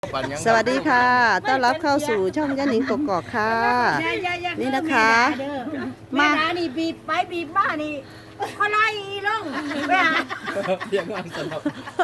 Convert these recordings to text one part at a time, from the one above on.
สวัสดีค่ะ ต้อนรับเข้าสู่ช่องย่าหนิงกกอกค่ะ นี่นะคะมานี่บีบไปบีบมานี่เขาไล่ลงไปหาเพียงงานสำหรับ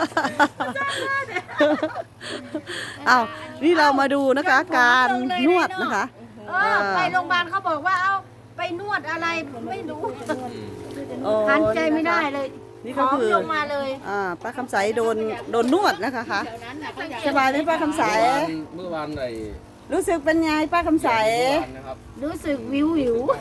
อ้าวนี่เรามาดูนะคะการนวดนะคะไปโรงพยาบาลเขาบอกว่าเอาไปนวดอะไรผมไม่รู้หันใจไม่ได้เลยนี่ก็คือลงมาเลยป้าคำใสโดนนวดนะคะคะสบายไหมป้าคำใสเมื่อวานไหนรู้สึกเป็นไงป้าคำใสนะครับรู้สึกวิว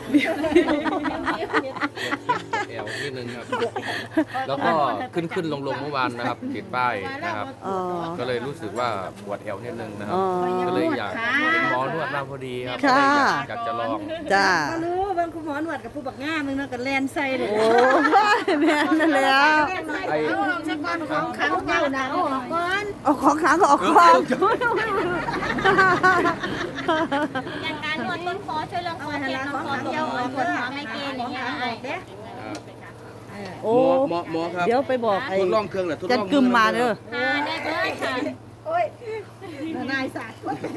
แอวนิดนึงครับ แล้วก็ขึ้นลงเมื่อวานนะครับติดป้ายนะครับอ๋อก็เลยรู้สึกว่าปวดแอวนิดนึงนะครับอ๋อก็เลยอยากหมอนวดมาพอดีครับค่ะอยากจะลองจ้ารู้บางคุณหมอหนวดกับผู้บักง่ามึงนะกับแลนไซเลยโอ้แม่นั่นแล้วไอ้เอาออกจากก้อนของขังเจ้านะเอาออกก่อนเอาของขังออกความอย่างการนวดต้นคอช่วยเรื่องคอเคล็ดคอปวดหัวปวดหัวไมเกรนอย่างเงี้ยโอ้หมอครับเดี๋ยวไปบอกไอ้ทดลองเครื่องแหละทดลจัองนกึมมาเด้อได้เลยค่ะนายศาสตร์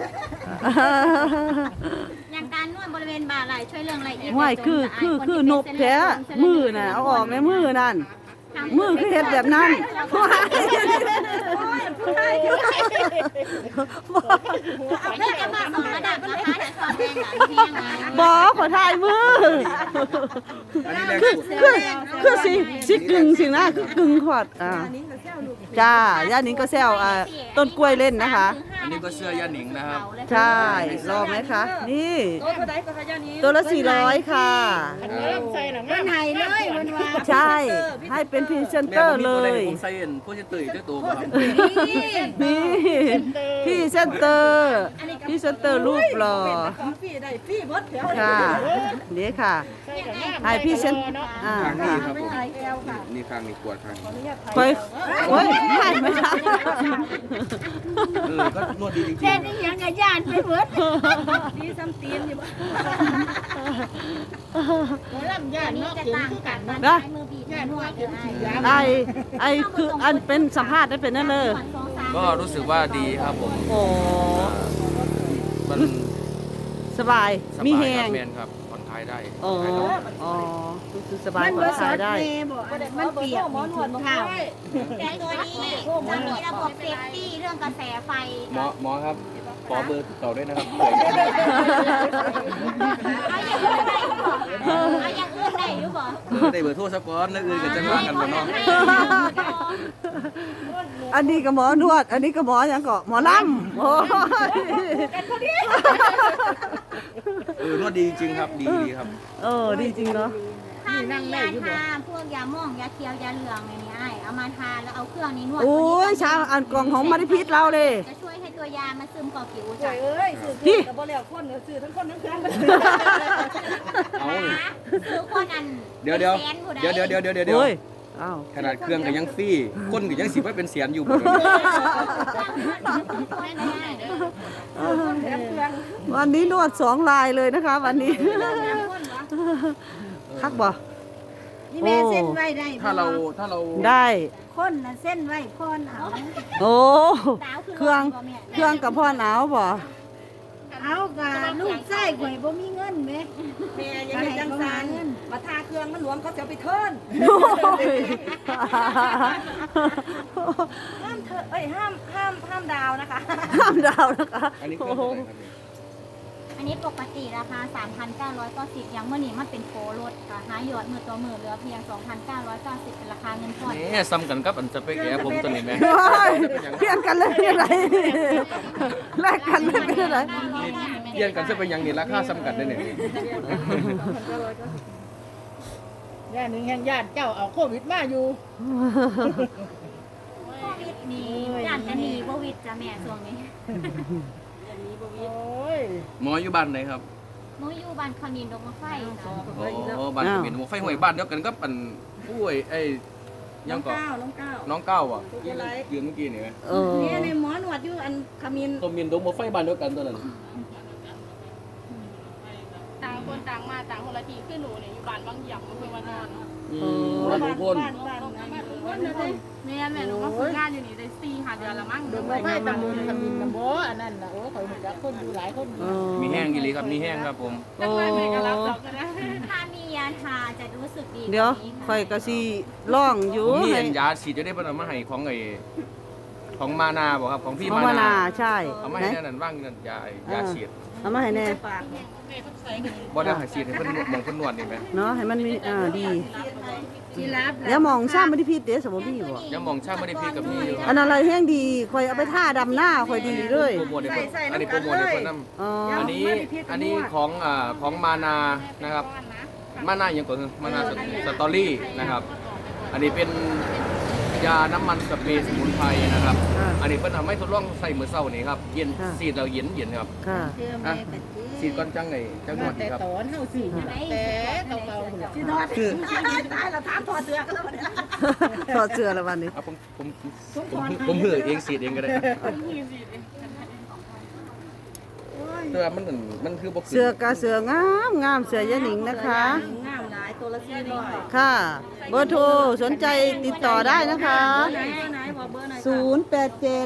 อย่างการนวดบริเวณบ่าไหล่ช่วยเรื่องอะไรอีกห้วยคือนกแท้มือน่ะเอาออกในมือนั่นมือคือเฮ็ดแบบนั้นว้ายนี่จะมาสองระดับนะคะจะสอนแรงหลังเพียงนะบอขอถ่ายมืออันนี้แรงคือสุดคือสิกึ่งสินะคือกึ่งขวดจ้าย่านิงก็แซวต้นกล้วยเล่นนะคะอันนี้ก็เสื้อย่าหนิงนะครับใช่รอไหมคะ นี่ตัวละ400ค่ะมันไหนเลยมันว่าใช่ ให้เป็นพรีเซนเตอร์เลยผมใส่เอ็นผู้จะตื่นเจ้าตัวครับนี่พรีเซนเตอร์พรีเซนเตอร์รูปหล่อของพี่ได้พี่มดเดี๋ยวค่ะนี่ค่ะให้พรีเซนข้างนี้ค่ะครับผมนี่ข้างนี้ปวดข้างนี้ไปโอ้ยไม่ไม่ได้ก็นวดดีจริงแค่นี้ยังไงย่านไปเบิดดีซ้ำตีนอยู่บ้านลำย่านนี่เนาะจะเข็มต่างคือกักัน นมันใช้มือบีบนวดหรือไอไอคืออันเป็นสัมภาษณ์ได้เป็นนั่นเลยก็รู้สึกว่าดีครับผมโอ้มันสบายสบายมีแหครังบแมนครับผ่อนคลายได้อ๋ออ๋อคือสบายผ่อนคลายได้มันเปียกหมอนวดข้าวแต่ตัวนี้จะมีระบบเซฟตี้เรื่องกระแสไฟหมอครับขอเบอร์ติดต่อด้วยนะครับเอาอย่างอื่นได้หรือเปล่าเอาอย่างอื่นได้หรือเปล่าได้เบอร์โทรสักก้อนนั่นอื่นกันจะว่ากันบ่เนาะอันนี้ก็หมอนวด อันนี้ก็หมออย่างก็หมอลำโอ้ยนวดดีจริงครับดีครับดีจริงเนาะถ้ามียาทาพวกยาม่วงยาเคี้ยวยาเหลืองอย่างนี้ไอ้เอามาทาแล้วเอาเครื่องนี้นวดโอ้ยชาอันกล่องของมาริพิษเราเลยจะช่วยให้ตัวยามันซึมก่อผิวจ้ะพี่แต่บ่แล้วคนสื่อทั้งคนทั้งเครื่องเอาคือคนอันเดี๋ยวโอ้ยอ้าวขนาดเครื่องก็ยังฟรีคนก็ยังสิว่าเป็นเสียนอยู่บ่วันนี้นวด2 ลายเลยนะคะ วันนี้คักบ่นี่แม่เส้นไว้ได้ถ้าเราได้คนน่ะเส้นไว้พรเอาโอ้เครื่องกับพ่อหนาวบ่เอากะลูกไส้ข่อยบ่มีเงินแม่แม่ยังไงจังสันมาทาเครื่องมันหลวมเขาจะเอาไปเทิร์นโอ้ยห้ามเธอเอ้ยห้ามดาวนะคะห้ามดาวนะคะอันนี้เครื่องเท่าไหร่ครับอันนี้ปกติราคา 3,990อย่างเมื่อนี้มันเป็นโปรลดค่ะหายอดมือต่อมือเหลือเพียง 2,990เป็นราคาเงินผ่อนนี่ซ้ำกันกับอันสเปกแอร์ผมตัวนี้แม่โอ้ยเปลี่ยนกันเลยเป็นอะไรแลกกันเลยเป็นอะไรเยี่ยนกันจะเป็นอย่างนี้ราคาซ้ำกันได้เนี่ยย่านหนึ่งแห่งญาติเจ้าเอาโควิดมาอยู่โควิดนี่ย่านจะหนีโควิดจ้ะแม่ช่วงนี้โอ้ยหมออยู่บ้านไหนครับหนูอยู่บ้านคอนินดงมะไฟจ้ะอ๋อบ้านจะเป็นหมอไฟห้วยบ้านเดียวกันกับอันผู้ไอ้ยังก่อนน้องก้าวน้องก้าวอ่ะยืนเมื่อกี้นี่ไหมเนี่ยในหมอหนวดอยู่อันขมิ้นตัวมินดงหมอไฟบ้านเดียวกันตัวนั้นตายคนต่างมาต่างคนละทีคือหนูเนี่ยอยู่บ้านบางหย่ำอำเภอวานอนบ้านลุงพลแม่หนูมาฝึกงานอยู่นี่ได้4-5 เดือนละมั้งเดินไปตำบลขมิ้นตำบลอันนั้นน่ะโอ้ข่อยเห็นคนอยู่หลายคนอยู่มีแห้งอีหลีครับมีแห้งครับผมแต่ว่าแม่ก็รับดอกกันนะถ้ามียาทาจะรู้สึกดีเดี๋ยวกานี้ข่อยก็สิร้องอยู่ผมมีให้ยาฉีดจะได้เพิ่นเอามาให้ของของมานาบ่ครับของพี่ของมามานานาใช่เอามาไหนให้นั่นว่างนั่นยาฉีดเอามาให้แน่บ่ได้ให้ฉีดให้เพิ่นหมองเพิ่นนวดนี่แหมเนาะให้มันมีดีที่รับเดี๋ยวมองซ้ำบ่ได้ผิดเด้อสมบ่มีบ่ยังมองช่างไม่ได้พี่กับพี่อยู่อันอะไรแห้งดีข่อยเอาไปท่าดำหน้าข่อยดีเลยโปรโมทให้เพิ่นอันนี้โปรโมทให้เพิ่นนำอ๋ออันนี้ของมานานะครับ มานาอย่างก่อนคือมานาสตอรี่นะครับ อันนี้เป็นยาน้ำมันสเปรย์สมุนไพรนะครับ อันนี้เพิ่นทำให้ทดลองใส่มื้อเช้านี่ครับเย็นสีดแล้วเย็นครับค่ะอ่ะสีดก่อนจังไงจังหวดแต่ดีครับตอนเฮาซื้อแต่เก่าๆหุ่นที่นอนคือตายแล้วถามพอเสือกันแล้วเนี่ยถอดเสื้อแล้ววันนี้เอาผมหือเองสีดเองก็ได้แต่ว่ามันคือบ่ขึ้นเสื้อกะเสื้องามงามเสื้อยะหนิงนะคะงามหลายตัวละ400 ค่ะ เบอร์โทรสนใจติดต่อได้นะคะไหนบอกเบอร์หน่อย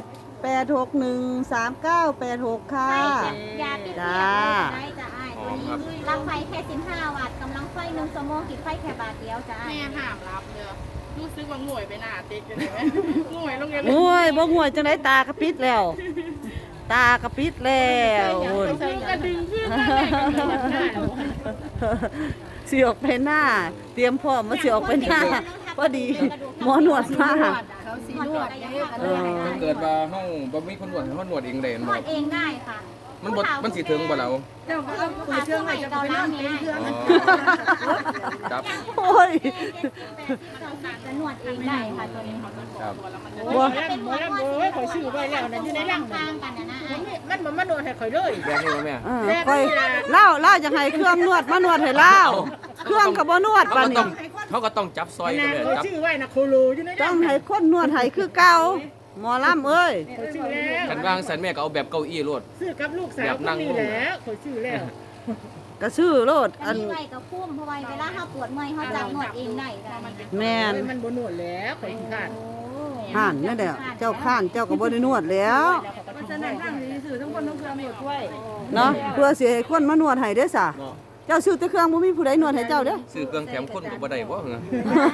0878863986 ค่ะยาปิดจ้าเปียกได้จะอ้ายตัวนี้รับไฟแค่15 วัตต์กำลังไฟ1 ชั่วโมงติดไฟแค่บาทเดียวจะอ้ายแม่ห้ามรับเด้อรู้สึกว่าง่วยไปหน้าติดกันเลยไหมง่วยโรงเรียนโอ้ยบ่ห่วยจังได๋ตากระปิดแล้ว ตากระปิดแล้วโอ้ยกระดึงขึ้นมาแม่กำลังหน้าสิออกไปหน้า เตรียมพร้อมมาสิออกไปหน้าพอดีหมอนวดมาเขาสินวดเด้เออถ้าเกิดว่าเฮาบ่มีคนนวดให้เฮานวดเองได้นบ่วดเองได้ค่ะมันสิถึงบ่เราเจ้าก็เอาเปิดเครื่องไว้จะไปนอนเต็มเครื่องอ๋อครับโอ้ยจะนวดเองได้ค่ะตัวนี้ครับโอ้ยหมอลำโอ้ยข่อยซื้อไว้แล้วนั่นอยู่ในรังข้างกันนะนะอ้ายมันบ่มาโดนให้ข่อยเลยแบงนี่บ่แม่ค่อยเล่าจังให้เครื่องนวดมานวดให้เล่าเครื่องก็บ่นวดเขาปานก็ต้นี้องเขาก็ต้องจับซอยกันนะเลยข่อยจับซื้อไว้นะโคโลอยู่ในรัต้อง งให้คนนวดให้คือเก่าหมอลำเอ้ยข่อยซื้อแล้วกันวางสันแม่ก็เอาแบบเก้าอี้รวดซื้อกับลูกสาวคนนี้แหละข่อยซื้อแล้วก็ซื้อโลดอันนี้ไว้กับพุ่มเพราะว่าเวลาเขาปวดเมื่อยเขาจับนวดเองได้ค่ะแม่นมันบ่นวดแล้วข่อยขี้คร้านห่านนั่นแหละเจ้าข้านเจ้าก็บ่ได้นวดแล้วเพราะฉะนั้นตั้งดีสื่อทั้งคนทั้งเครือหมดด้วยเนาะเพื่อสิให้คนมานวดให้เด้อซะเนาะเจ้าซื้อแต่เครื่องบ่มีผู้ใดนวดให้เจ้าเด้อซื้อเครื่องแถมคนก็บ่ได้บ่เหรอ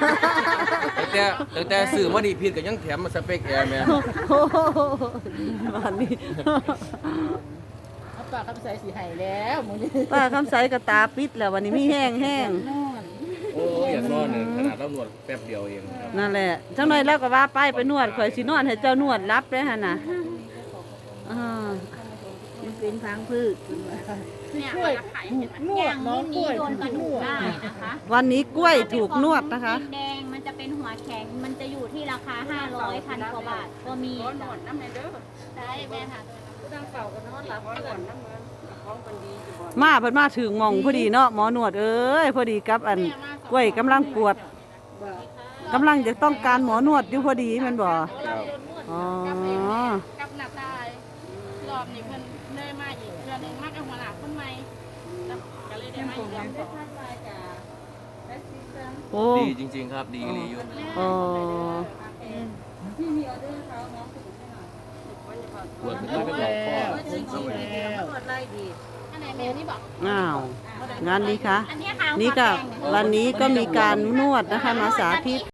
แต่ซื้อมานี่ผิดก็ยังแถมมาสเปคแอร์แม่โอ้โหวันนี้เอาปากคำใส่สีไห้แล้วมื้อนี้ป้าคำใสก็ตาปิดแล้ววันนี้มีแห้งโอ้ยอยากนอนเนี่ยขนาดเรานวดแป๊บเดียวเองครับนั่นแหละจังหน่อยเราก็ว่าไปนวดข่อยสินวดให้เจ้านวดรับเด้อหั่นน่ะมันเป็นพังพืชเนี่ยกล้วยราคานวดน้องกล้วยโดนกระนดูกวดได้นะคะวันนี้กล้วยถูกนวดนะคะแดงมันจะเป็นหัวแข็ง มันจะอยู่ที่ราคา 500 พันกว่าบาท ก็มีหนวดน้ำแม่เด้อได้แม่ค่ะตั้งเป่ากันนอนหลับก่อนน้ำเงินของคนดีอยู่บ่มาเพิ่นมาถึงหมองพอดีเนาะหมอนวดเอ้ยพอดีกับอันกล้วยกำลังปวดกำลังจะต้องการหมอนวดอยู่พอดีแม่นบ่ครับอ๋อกับหน้าตายรอบนี้เพิ่นเลยมาอีกเดือนนึงมากกับหัวหน้าคนใหม่แล้วก็เลยได้มาอีกรอบโอ้ดีจริงๆครับดีอยู่อ๋อปวดขึ้นมาเป็นหลอกคอตรวจไล่ดีอันไหนแม่นี่บอกอ้าวงานนี้คะอันนี้ค่ะนี่ก็หัวแข็งวันนี้ก็มีการนวดนะคะมาสาธิต